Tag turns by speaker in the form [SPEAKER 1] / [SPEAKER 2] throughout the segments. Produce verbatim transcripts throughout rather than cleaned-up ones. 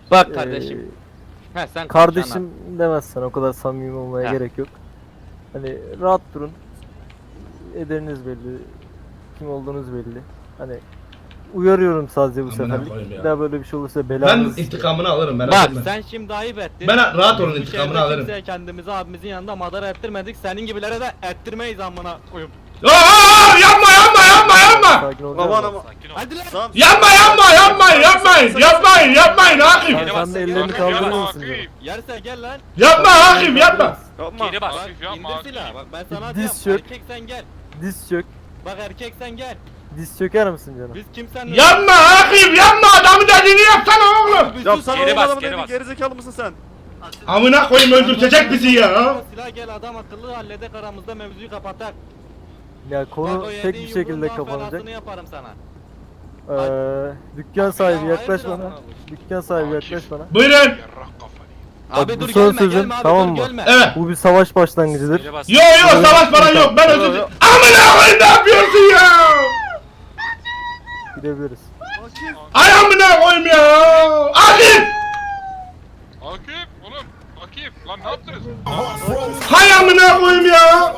[SPEAKER 1] Bak kardeşim.
[SPEAKER 2] Ee,
[SPEAKER 1] He sen
[SPEAKER 2] kardeşim demezsen o kadar samimi olmaya
[SPEAKER 1] Heh.
[SPEAKER 2] gerek yok. Hani rahat durun. Ederiniz belli. Kim olduğunuz belli. Hani uyarıyorum sadece bu
[SPEAKER 3] Amına
[SPEAKER 2] seferlik.
[SPEAKER 3] koyayım ya.
[SPEAKER 2] Bir daha böyle bir şey olursa
[SPEAKER 3] Ben
[SPEAKER 2] belanızı
[SPEAKER 3] intikamını alırım merak
[SPEAKER 1] Bak
[SPEAKER 3] etme.
[SPEAKER 1] sen şimdi ayıp ettin.
[SPEAKER 3] Ben rahat olun
[SPEAKER 1] Biz bu
[SPEAKER 3] intikamını
[SPEAKER 1] şehirde
[SPEAKER 3] alırım.
[SPEAKER 1] kimseye kendimizi abimizin yanında madara ettirmedik. Senin gibilere de ettirmeyiz amına koyup.
[SPEAKER 3] Aa, yapma yapma yapma yapma.
[SPEAKER 2] Sakin olacağız.
[SPEAKER 4] Aman
[SPEAKER 2] mı?
[SPEAKER 4] aman.
[SPEAKER 1] Hadi lan.
[SPEAKER 4] Tamam.
[SPEAKER 3] Yapma yapma yapmayın yapmayın yapmayın yapmayın Akif.
[SPEAKER 2] Sen, sen de ellerini kaldırır mısın? canım?
[SPEAKER 1] Yerse gel lan.
[SPEAKER 3] Yapma Akif yapma.
[SPEAKER 4] Yapma.
[SPEAKER 5] Geri bas.
[SPEAKER 1] Bak indir silahı. Bak ben sana
[SPEAKER 2] Diz
[SPEAKER 1] diyorum.
[SPEAKER 2] çök.
[SPEAKER 1] Erkek sen gel.
[SPEAKER 2] Diz çök.
[SPEAKER 1] Bak erkek sen gel.
[SPEAKER 2] Diz çöker misin canım?
[SPEAKER 1] Biz kimsenin...
[SPEAKER 3] Yapma Akif yapma adamı dediğini yapsana oğlum.
[SPEAKER 1] Biz
[SPEAKER 4] Yapsana
[SPEAKER 5] Geri
[SPEAKER 4] oğlum
[SPEAKER 5] bas,
[SPEAKER 4] adamı
[SPEAKER 5] geri
[SPEAKER 4] dedin,
[SPEAKER 5] bas.
[SPEAKER 4] gerizekalı mısın sen?
[SPEAKER 3] Amına koyayım öldürtecek bizi ya.
[SPEAKER 1] Silah gel adam akıllı halledek aramızda mevzuyu kapatak.
[SPEAKER 2] Ya
[SPEAKER 1] Bak
[SPEAKER 2] konu
[SPEAKER 1] o
[SPEAKER 2] tek
[SPEAKER 1] yediğin
[SPEAKER 2] bir şekilde
[SPEAKER 1] yumruğun daha
[SPEAKER 2] kapanacak.
[SPEAKER 1] belasını yaparım sana.
[SPEAKER 2] Ee, dükkan sahibi
[SPEAKER 1] Ya,
[SPEAKER 2] yaklaş
[SPEAKER 1] hayırdır
[SPEAKER 2] bana.
[SPEAKER 1] amına
[SPEAKER 2] Dükkan sahibi yaklaş bana.
[SPEAKER 3] Buyurun.
[SPEAKER 1] Abi
[SPEAKER 2] bu
[SPEAKER 1] dur
[SPEAKER 2] son
[SPEAKER 1] gelme
[SPEAKER 2] sözüm,
[SPEAKER 1] gelme abi
[SPEAKER 2] tamam
[SPEAKER 1] dur
[SPEAKER 2] mı?
[SPEAKER 1] gelme.
[SPEAKER 3] Evet.
[SPEAKER 2] Bu bir savaş başlangıcıdır.
[SPEAKER 5] Geri bas.
[SPEAKER 3] Yo yo savaş falan yok ben özür dilerim. Amına koyayım ne yapıyorsun ya?
[SPEAKER 2] Gidebiliriz.
[SPEAKER 3] Ay amına koyayım ya. Akif.
[SPEAKER 6] Akif oğlum Akif lan ne yaptınız?
[SPEAKER 3] Hay amına koyayım ya.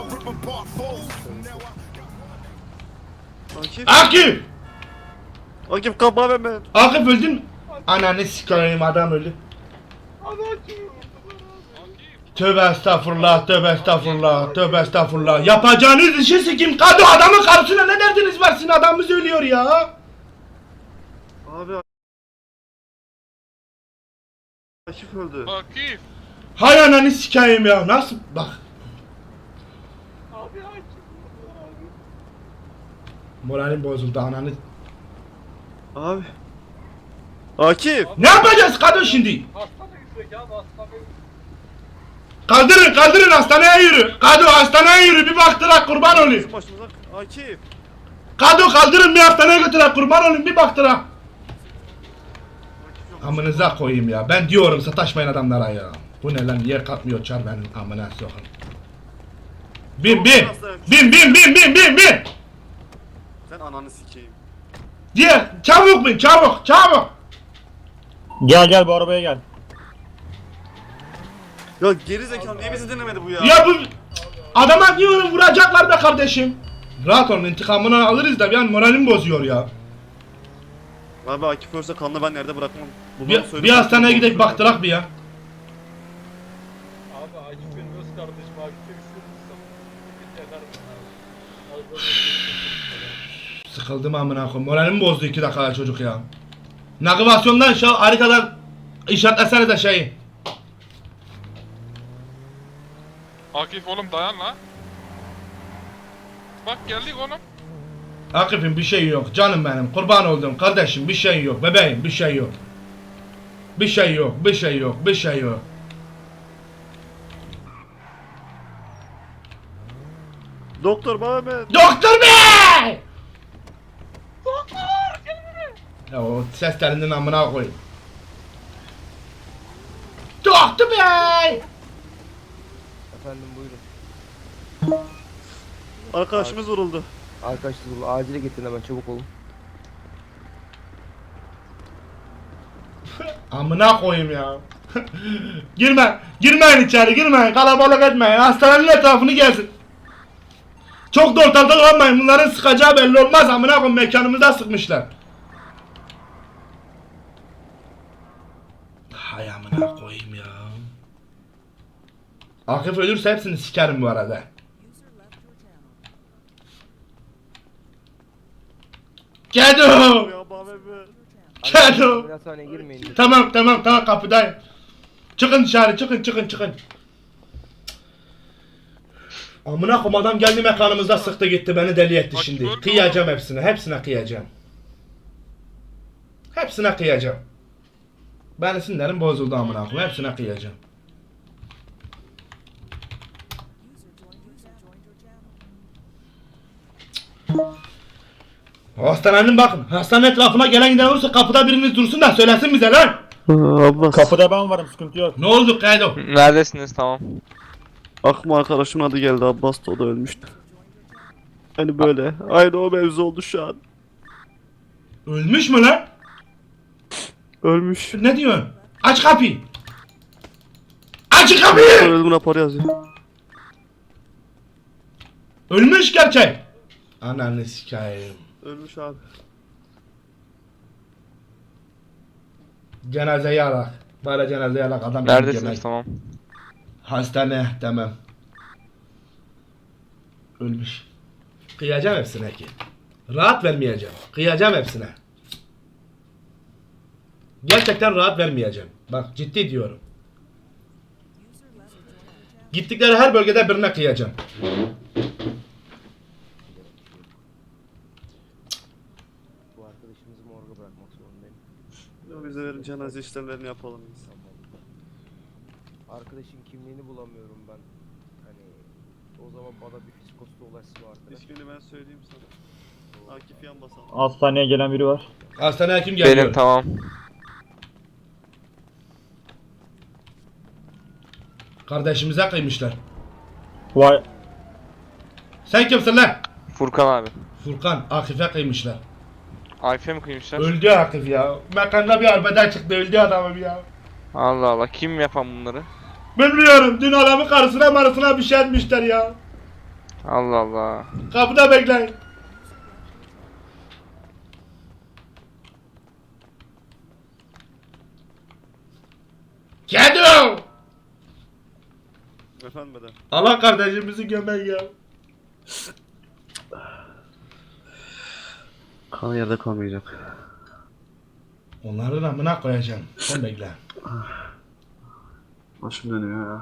[SPEAKER 4] Akif.
[SPEAKER 3] Akif.
[SPEAKER 4] Akif kapma ben ben.
[SPEAKER 3] Akif öldün mü? Ananı sikeyim adam öldü. Tövbe estağfurullah, tövbe estağfurullah, tövbe estağfurullah. Yapacağınız işi sikim. Kadı adamın karşısına ne derdiniz var sizin adamımız ölüyor ya.
[SPEAKER 4] Abi Akif öldü.
[SPEAKER 6] Akif.
[SPEAKER 3] Hay ananı sikeyim ya. Nasıl bak. Moralim bozuldu ananı.
[SPEAKER 4] Abi. Akif.
[SPEAKER 3] Ne yapacağız kadın şimdi? Kaldırın kaldırın hastaneye yürü. Kadu hastaneye yürü bir baktırak kurban olayım.
[SPEAKER 4] Bizim başımıza. Akif.
[SPEAKER 3] Kadu kaldırın bir hastaneye götürak kurban olayım bir baktırak. Amınıza koyayım ya. Ben diyorum sataşmayın adamlara ya. Bu ne lan yer katmıyor çar benim amına sokun. Bin bin. Bin bin bin bin bin bin.
[SPEAKER 4] Sen ananı sikeyim.
[SPEAKER 3] Diye çabuk bin çabuk çabuk.
[SPEAKER 7] Gel gel bu arabaya gel.
[SPEAKER 4] Ya gerizekalı niye bizi dinlemedi bu ya?
[SPEAKER 3] Ya bu adama diyorum vuracaklar be kardeşim. Rahat olun intikamını alırız da bir an moralim bozuyor ya.
[SPEAKER 4] Abi Akif ölse kanını ben nerede bırakmam. Bunu
[SPEAKER 3] Bir,
[SPEAKER 4] söyle-
[SPEAKER 3] bir hastaneye gidelim baktırak bir ya.
[SPEAKER 8] Abi Akif benim öz kardeşim. Akif'e bir şey olursa
[SPEAKER 3] Sıkıldım amına koyayım. Moralimi bozdu iki dakika çocuk ya. Navigasyondan şu haritadan işaretlesene de şeyi.
[SPEAKER 6] Akif oğlum dayan la. Bak geldik oğlum.
[SPEAKER 3] Akif'im bir şey yok canım benim kurban oldum kardeşim bir şey yok bebeğim bir şey yok. Bir şey yok bir şey yok bir şey yok.
[SPEAKER 4] Doktor bana ben.
[SPEAKER 3] Doktor bey! Doktor Ya o ses telinden amına koyayım. Doktor bey!
[SPEAKER 9] Efendim buyurun.
[SPEAKER 4] Arkadaşımız vuruldu.
[SPEAKER 9] Arkadaşlar acile getirin hemen çabuk olun.
[SPEAKER 3] Amına koyayım ya. Girme, girmeyin içeri, girmeyin, kalabalık etmeyin, hastanenin etrafını gezin. Çok da ortalıkta kalmayın, bunların sıkacağı belli olmaz, amına koyayım mekanımıza sıkmışlar. Hay amına koyayım ya. Akif ölürse hepsini sikerim bu arada. Kedo!
[SPEAKER 4] Ya bana ben.
[SPEAKER 3] Kedo!
[SPEAKER 9] Bir hastaneye girmeyin. lütfen.
[SPEAKER 3] Tamam tamam tamam kapıdayım. Çıkın dışarı çıkın çıkın çıkın. Amına koyayım adam geldi mekanımızda sıktı gitti beni deli etti
[SPEAKER 6] Bak,
[SPEAKER 3] şimdi.
[SPEAKER 6] gördün
[SPEAKER 3] Kıyacağım hepsine hepsine kıyacağım. Hepsine kıyacağım. Ben sinirlerim bozuldu amına koyayım hepsine kıyacağım. Hastanenin bakın. Hastane etrafına gelen giden olursa kapıda biriniz dursun da söylesin bize lan.
[SPEAKER 4] Abbas.
[SPEAKER 7] Kapıda ben varım sıkıntı yok.
[SPEAKER 3] Ne oldu Kaydo?
[SPEAKER 5] Neredesiniz tamam.
[SPEAKER 4] Aklıma arkadaşımın adı geldi. Abbas da o da ölmüştü. Hani böyle. Aynı o mevzu oldu şu an.
[SPEAKER 3] Ölmüş mü lan?
[SPEAKER 4] Ölmüş.
[SPEAKER 3] Ne diyorsun? Aç kapıyı. Aç kapıyı.
[SPEAKER 4] Ölüm raporu yazıyor.
[SPEAKER 3] Ölmüş gerçek. Ananı sikayım.
[SPEAKER 4] Ölmüş abi.
[SPEAKER 3] Cenazeyi alak. Bari cenazeyi alak adam.
[SPEAKER 6] Neredesiniz
[SPEAKER 3] yemek.
[SPEAKER 6] tamam.
[SPEAKER 3] Hastane tamam. Ölmüş. Kıyacağım hepsine ki. Rahat vermeyeceğim. Kıyacağım hepsine. Gerçekten rahat vermeyeceğim. Bak ciddi diyorum. Gittikleri her bölgede birine kıyacağım.
[SPEAKER 9] Bu arkadaşımızı morga bırakmak zorundayım.
[SPEAKER 4] Ya bize verin cenaze işlemlerini yapalım biz.
[SPEAKER 9] Arkadaşın kimliğini bulamıyorum ben. Hani o zaman bana bir fiskosta ulaşsın o arkadaş.
[SPEAKER 4] İsmini ben söyleyeyim sana. Akif Yanbasan.
[SPEAKER 7] Hastaneye gelen biri var.
[SPEAKER 3] Hastaneye kim geliyor?
[SPEAKER 6] Benim tamam.
[SPEAKER 3] Kardeşimize kıymışlar.
[SPEAKER 7] Vay.
[SPEAKER 3] Sen kimsin lan?
[SPEAKER 6] Furkan abi.
[SPEAKER 3] Furkan, Akif'e kıymışlar.
[SPEAKER 6] Ayfe mi kıymışlar?
[SPEAKER 3] Öldü Akif ya. Mekanda bir arbeden çıktı, öldü adamım ya.
[SPEAKER 6] Allah Allah, kim yapan bunları?
[SPEAKER 3] Bilmiyorum, dün adamın karısına marısına bir şey etmişler ya.
[SPEAKER 6] Allah Allah.
[SPEAKER 3] Kapıda bekleyin. Kedi!
[SPEAKER 4] Efendim beden.
[SPEAKER 3] Allah kardeşimizi gömek ya.
[SPEAKER 4] Kan yerde kalmayacak.
[SPEAKER 3] Onların amına koyacağım. Sen bekle.
[SPEAKER 4] Başım dönüyor ya.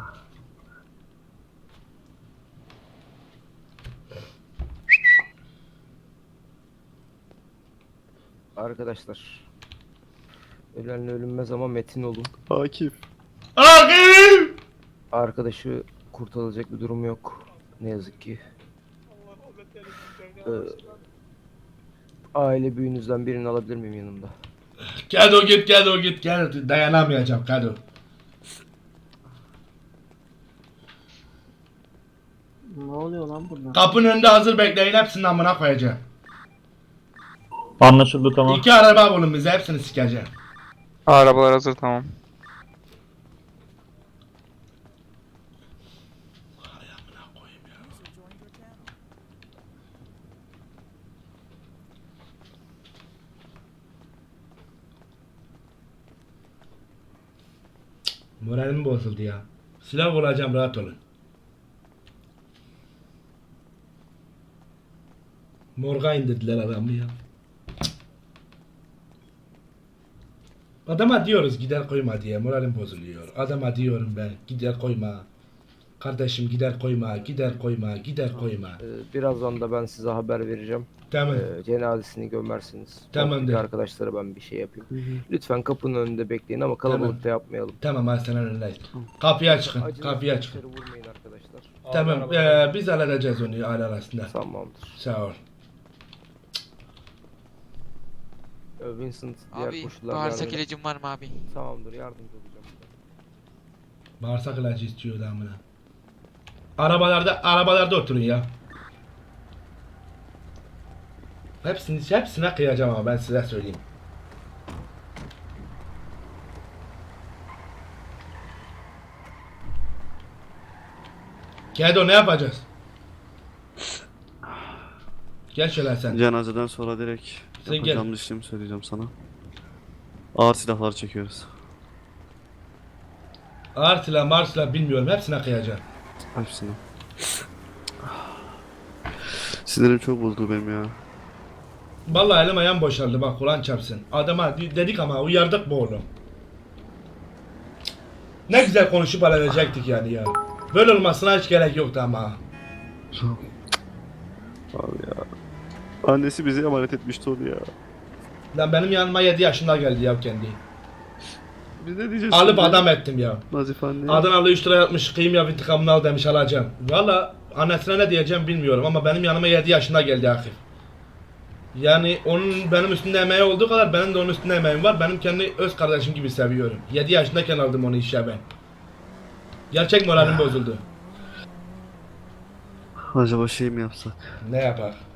[SPEAKER 9] Arkadaşlar. Ölenle ölünmez ama metin olun.
[SPEAKER 4] Akif.
[SPEAKER 3] Akif!
[SPEAKER 9] Arkadaşı kurtarılacak bir durum yok. Ne yazık ki. Ee, aile büyüğünüzden birini alabilir miyim yanımda?
[SPEAKER 3] Kado git, Kado git, gel. Dayanamayacağım Kado.
[SPEAKER 2] Ne oluyor lan burada?
[SPEAKER 3] Kapının önünde hazır bekleyin, hepsini amına koyacağım.
[SPEAKER 7] Anlaşıldı tamam.
[SPEAKER 3] İki araba bulun bize, hepsini sikeceğim.
[SPEAKER 6] Arabalar hazır tamam.
[SPEAKER 3] Hay amına koyayım ya. Moralim bozuldu ya. Silah olacağım, rahat olun. Morga indirdiler adamı ya. Adama diyoruz gider koyma diye, moralim bozuluyor. Adama diyorum ben gider koyma. Kardeşim gider koyma, gider koyma, gider koyma.
[SPEAKER 9] Ee, birazdan da ben size haber vereceğim.
[SPEAKER 3] Tamam.
[SPEAKER 9] Ee, cenazesini gömersiniz.
[SPEAKER 3] Tamamdır.
[SPEAKER 9] Oradaki arkadaşlara ben bir şey yapayım. Lütfen kapının önünde bekleyin ama kalabalıkta yapmayalım.
[SPEAKER 3] Tamam hastanenin önündeyiz. Kapıya çıkın,
[SPEAKER 9] Acınızı
[SPEAKER 3] kapıya çıkın.
[SPEAKER 9] dışarı vurmayın arkadaşlar.
[SPEAKER 3] Tamam, eee, biz halledeceğiz onu aile arasında.
[SPEAKER 9] Tamamdır.
[SPEAKER 3] Sağ ol.
[SPEAKER 9] Ee, Vincent diğer
[SPEAKER 5] Abi
[SPEAKER 9] koşullarda
[SPEAKER 5] bağırsak
[SPEAKER 9] yardım-
[SPEAKER 5] ilacım var mı abi?
[SPEAKER 9] Tamamdır, yardımcı olacağım.
[SPEAKER 3] Bağırsak ilacı istiyor damına. Arabalarda, arabalarda oturun ya. Hepsini, hepsine kıyacağım ama ben size söyleyeyim. Kedo ne yapacağız? Gel şöyle sen.
[SPEAKER 4] Cenazeden sonra direkt
[SPEAKER 3] Sen
[SPEAKER 4] yapacağım işlemi söyleyeceğim sana. Ağır silahlar çekiyoruz.
[SPEAKER 3] Ağır silah, mar silah bilmiyorum. Hepsine kıyacağım.
[SPEAKER 4] Hepsini. Sinirim çok bozuldu benim ya.
[SPEAKER 3] Vallahi elim ayağım boşaldı bak Kur'an çarpsın. Adama de- dedik ama uyardık bu oğlum. Ne güzel konuşup halledecektik yani ya. Böyle olmasına hiç gerek yoktu ama.
[SPEAKER 4] Abi ya. Annesi bize emanet etmişti onu ya.
[SPEAKER 3] Lan benim yanıma yedi yaşında geldi ya kendi.
[SPEAKER 4] Biz ne diyeceğiz?
[SPEAKER 3] Alıp
[SPEAKER 4] şimdi?
[SPEAKER 3] adam ettim ya.
[SPEAKER 4] Nazif anne.
[SPEAKER 3] Adanalı üç lira yatmış kıyım ya intikamını al demiş alacağım. Valla annesine ne diyeceğim bilmiyorum ama benim yanıma yedi yaşında geldi Akif. Yani onun benim üstünde emeği olduğu kadar benim de onun üstünde emeğim var. Benim kendi öz kardeşim gibi seviyorum. yedi yaşındayken aldım onu işe ben. Gerçek moralim bozuldu.
[SPEAKER 4] Acaba şey mi yapsak?
[SPEAKER 3] Ne yapar?